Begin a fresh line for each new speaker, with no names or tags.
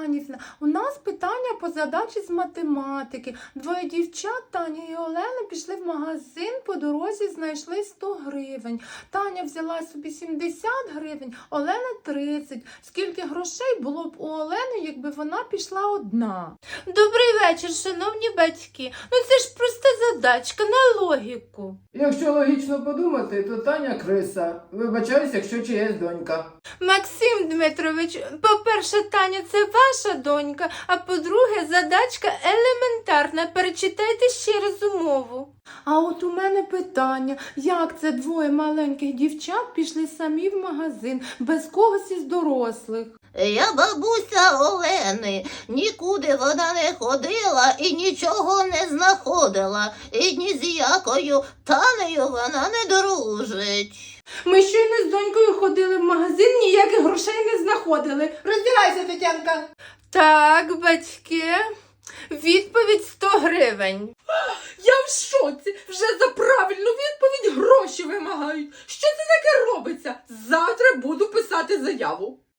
Іванівна, у нас питання по задачі з математики. Двоє дівчат, Таня і Олена, пішли в магазин, по дорозі знайшли 100 гривень. Таня взяла собі 70 гривень, Олена 30. Скільки грошей було б у Олени, якби вона пішла одна?
Добрий вечір, шановні батьки. Ну це ж проста задачка на логіку.
Якщо логічно подумати, то Таня криса. Вибачаюсь, якщо чиясь донька.
Максим Дмитрович, по-перше, Таня, це ваша донька, а по-друге, задачка елементарна. Перечитайте ще раз умову.
А от у мене питання, як це двоє маленьких дівчат пішли самі в магазин, без когось із дорослих?
Я бабуся Олени, нікуди вона не ходила і нічого не знаходила, і ні з якою Танею вона не дружить.
Ми щойно з донькою ходили в магазин, ніяких грошей не знаходили. Роздягайся, Тетянка.
Так, батьки, відповідь 100 гривень.
Я в шоці! Вже за правильну відповідь гроші вимагають. Що це таке робиться? Завтра буду писати заяву.